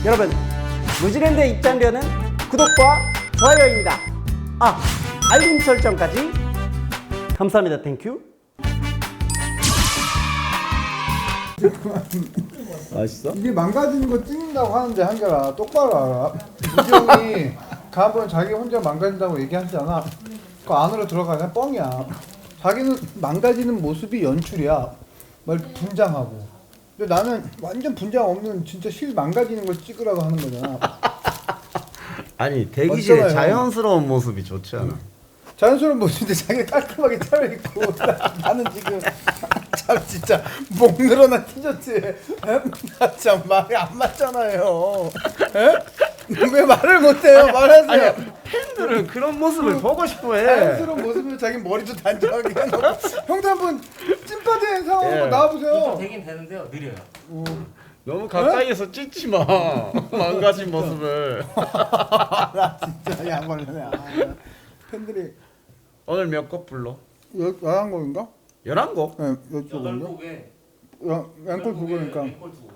여러분, 무지랜드 입장료는 구독과 좋아요입니다. 아, 알림 설정까지. 감사합니다. 땡큐. 맛있어? 이게 망가지는 거 찍는다고 하는데 한결아 똑바로 알아. 우정이 가번 자기 혼자 망가진다고 얘기하잖아. 그 안으로 들어가면 뻥이야. 자기는 망가지는 모습이 연출이야. 막 이렇게 분장하고. 근데 나는 완전 분장 없는 진짜 실 망가지는 걸 찍으라고 하는 거잖아. 아니, 대기실에 맞잖아요. 자연스러운 모습이 좋지 않아? 자연스러운 모습인데 자기가 깔끔하게 차려입고 나는 지금 참 진짜 목 늘어난 티셔츠에 참 말이 안 맞잖아요. 에? 왜 말을 못해요? 말하세요. 아니, 팬들은 그런 모습을 보고 싶어해. 자연스러운 모습으로 자기 머리도 단정하게 해놓고 형도 한번 찐빠진 상황으로 예. 나와보세요. 되긴 되는데요. 느려요. 너무 가까이에서 찍지 마. 망가진 모습을. 나 진짜 양벌레네. 아, 팬들이 오늘 몇 곡 불러? 11곡인가? 11곡? 네, 이쪽인가? 8곡에 앵콜 9곡이니까 앵콜 2곡.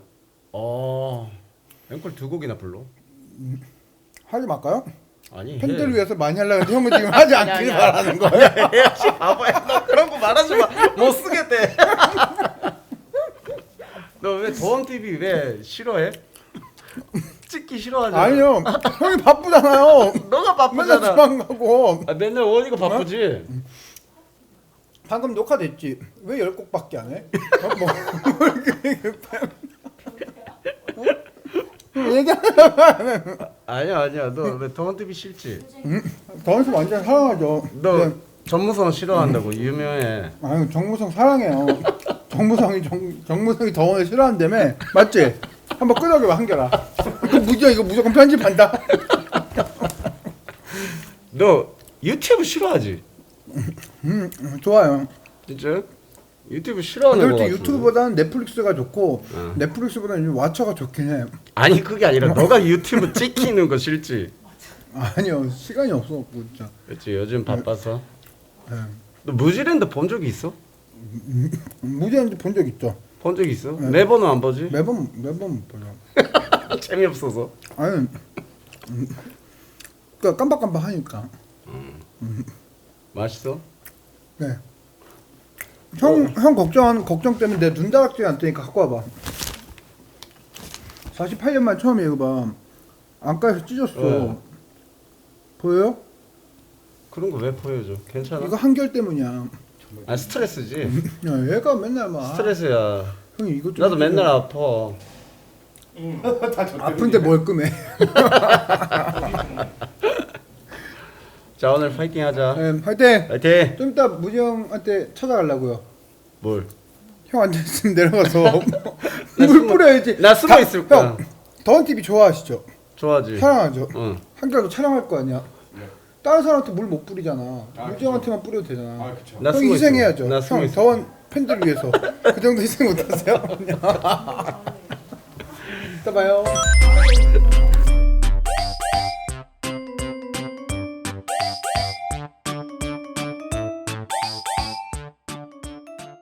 앵콜 2곡이나 불러? 하지 말까요? 아니, 팬들을 해. 위해서 많이 하려고 했는데 형은 지금 하지 않길 바라는 거예요. 해야지. 바보야. 너 그런 거 말하지 마. 못 쓰겠대. 너 왜 도원TV 왜 싫어해? 찍기 싫어하잖아. 아니요, 형이 바쁘잖아요. 너가 맨날 바쁘잖아. 주방 가고. 아, 맨날 원이가 바쁘지. 방금 녹화됐지? 왜 10곡밖에 안 해? 얘기하면 아니야. 너 왜 도원TV 싫지? 더원수 완전 사랑하죠. 너 네. 전무성 싫어한다고 유명해. 아유 정무성 사랑해요. 정무성이 더원을 싫어한다며 맞지? 한번 끄덕여봐 한결아. 이거 무조건 편집한다. 너 유튜브 싫어하지? 좋아요. 진짜? 유튜브 싫어하는 거 솔직히 같은데. 유튜브보다는 넷플릭스가 좋고 어. 넷플릭스보다는 왓챠가 좋긴 해. 아니 그게 아니라 너가 유튜브 찍히는 거 싫지? 아니요 시간이 없어갖고 진짜. 그렇지 요즘 바빠서. 네. 너 무지랜드 본 적 있어? 무제한지 본 적 있죠. 본 적 있어? 네. 매번은 안 보지? 매번 못 보죠. 재미없어서. 아니 그러니까 깜빡깜빡 하니까. 맛있어? 네. 형 걱정 때문에 내 눈다락질 안 뜨니까 갖고 와봐. 48년 만 처음에 이거 봐. 안가에서 찢었어. 네. 보여요? 그런 거 왜 보여줘? 괜찮아? 이거 한결 때문이야. 아 스트레스지. 야, 얘가 맨날 막 스트레스야. 형이 이것 좀 나도 맨날 아파. 아픈데 뭘 끔해. 자 오늘 파이팅 하자. 네, 화이팅. 파이팅. 좀 이따 무지 형한테 찾아가려고요. 뭘? 형 앉아있으면 내려가서 물 뿌려야지. 나 숨어 있을 거야. 형, 더원 TV 좋아하시죠? 좋아하지. 사랑하죠? 응. 한결도 촬영할 거 아니야? 다른 사람한테 물 못 뿌리잖아. 무지 형한테만 뿌려도 되잖아. 나 형 숨어 희생해야죠. 있어. 나 숨어 형 있어. 더원 팬들 위해서 그 정도 희생 못하세요? 이따 봐요.